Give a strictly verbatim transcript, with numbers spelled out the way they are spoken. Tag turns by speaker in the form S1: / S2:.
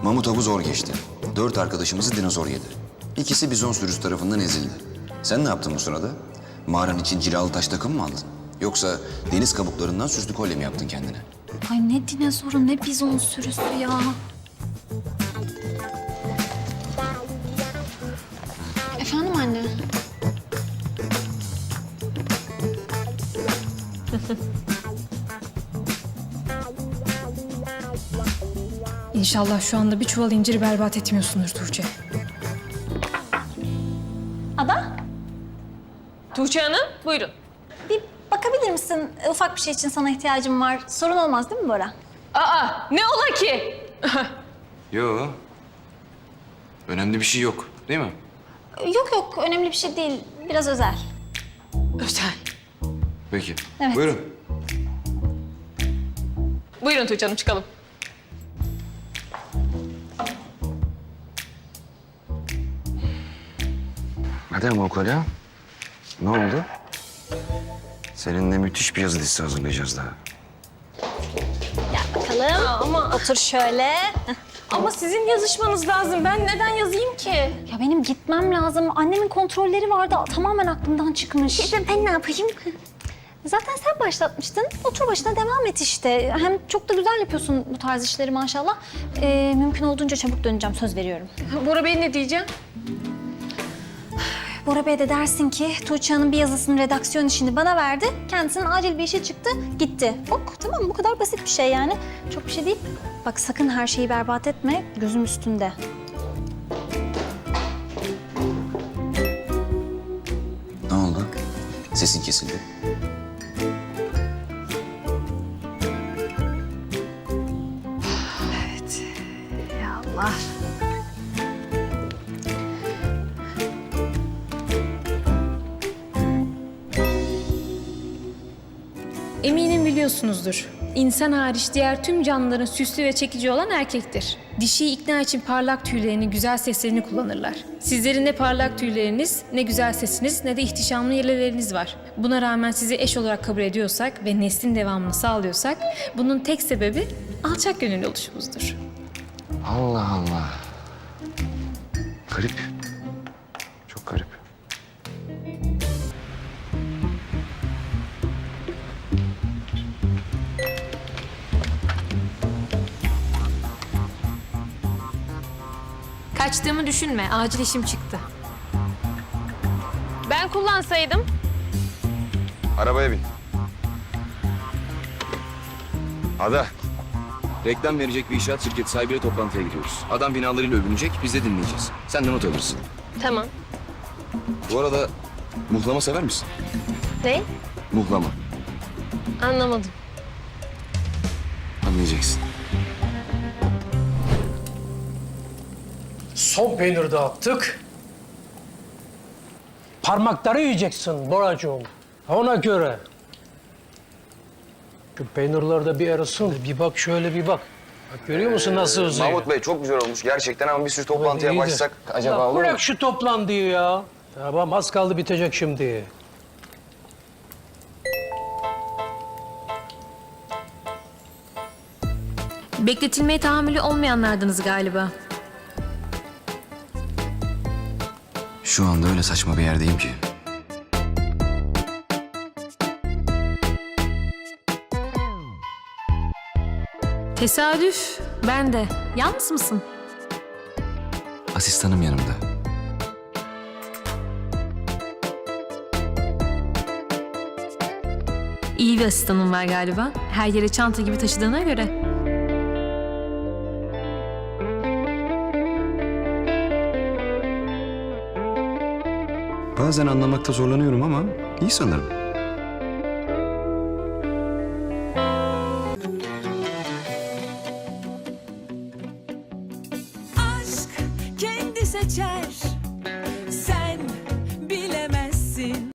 S1: Mamut avı zor geçti. Dört arkadaşımızı dinozor yedi. İkisi bizon sürüsü tarafından ezildi. Sen ne yaptın bu sırada? Mağaran için cilalı taş takım mı aldın? Yoksa deniz kabuklarından süslü kolye mi yaptın kendine?
S2: Ay ne dinozoru ne bizon sürüsü ya. Efendim anne?
S3: İnşallah şu anda bir çuval inciri berbat etmiyorsundur Tuğçe.
S2: Ada,
S4: Tuğçe Hanım, buyurun.
S2: bir bakabilir misin? Ufak bir şey için sana ihtiyacım var. Sorun olmaz değil mi Bora?
S4: Aa, ne ola ki?
S1: Yo. Önemli bir şey yok, değil mi?
S2: Yok yok, önemli bir şey değil. Biraz özel.
S4: Özel.
S1: Peki.
S2: Evet.
S1: Buyurun.
S4: Buyurun Tuğçe Hanım, çıkalım.
S1: Hadi ama o kolye. Ne oldu? Seninle müthiş bir yazı dizisi hazırlayacağız daha.
S2: Bakalım.
S4: Ama
S2: Otur şöyle.
S4: ama sizin yazışmanız lazım. Ben neden yazayım ki?
S2: Ya benim gitmem lazım. Annemin kontrolleri vardı. Tamamen aklımdan çıkmış. Ben ne yapayım? Zaten sen başlatmıştın. Otur başına devam et işte. Hem çok da güzel yapıyorsun bu tarz işleri maşallah. Ee, mümkün olduğunca çabuk döneceğim, söz veriyorum.
S4: Bora Bey ne diyeceğim?
S2: Bora Bey de dersin ki Tuğçe Hanım bir yazısının redaksiyon işini bana verdi. Kendisinin acil bir işe çıktı, gitti. Ok, tamam bu kadar basit bir şey yani. Çok bir şey değil. Bak sakın her şeyi berbat etme, gözüm üstünde.
S1: Ne oldu? Sesin kesildi.
S2: Ya Allah.
S3: Eminim biliyorsunuzdur. İnsan hariç diğer tüm canlıların süslü ve çekici olan erkektir. Dişiyi ikna için parlak tüylerini, güzel seslerini kullanırlar. Sizlerin ne parlak tüyleriniz, ne güzel sesiniz, ne de ihtişamlı yeleleriniz var. Buna rağmen sizi eş olarak kabul ediyorsak ve neslin devamını sağlıyorsak, bunun tek sebebi alçak gönüllü oluşumuzdur.
S1: Allah Allah. Garip. Çok garip.
S3: Kaçtığımı düşünme, acil işim çıktı.
S4: Ben kullansaydım.
S5: Arabaya bin. Ada. Reklam verecek bir inşaat şirketi sahibiyle toplantıya gidiyoruz. Adam binalarıyla övünecek, biz de dinleyeceğiz. Sen de not alırsın.
S4: Tamam.
S5: Bu arada muhlama sever misin?
S4: Ne?
S5: Muhlama.
S4: Anlamadım.
S5: Anlayacaksın.
S6: Son peynir dağıttık. Parmakları yiyeceksin Boracığım. Ona göre. Şu peynirler de bir arasın. Bir bak şöyle bir bak. Bak görüyor musun nasıl uzuyor?
S5: Mahmut Bey çok güzel olmuş gerçekten ama bir sürü toplantıya
S6: İyi de-
S5: başlasak acaba
S6: Ya
S5: olur mu?
S6: bırak şu toplantıyı ya. Tamam az kaldı bitecek şimdi.
S3: Bekletilmeye tahammülü olmayanlardınız galiba.
S1: Şu anda öyle saçma bir yerdeyim ki.
S3: Tesadüf, ben de. Yalnız mısın?
S1: Asistanım yanımda.
S3: İyi bir asistanın var galiba. Her yere çanta gibi taşıdığına göre.
S1: Bazen anlamakta zorlanıyorum ama iyi sanırım.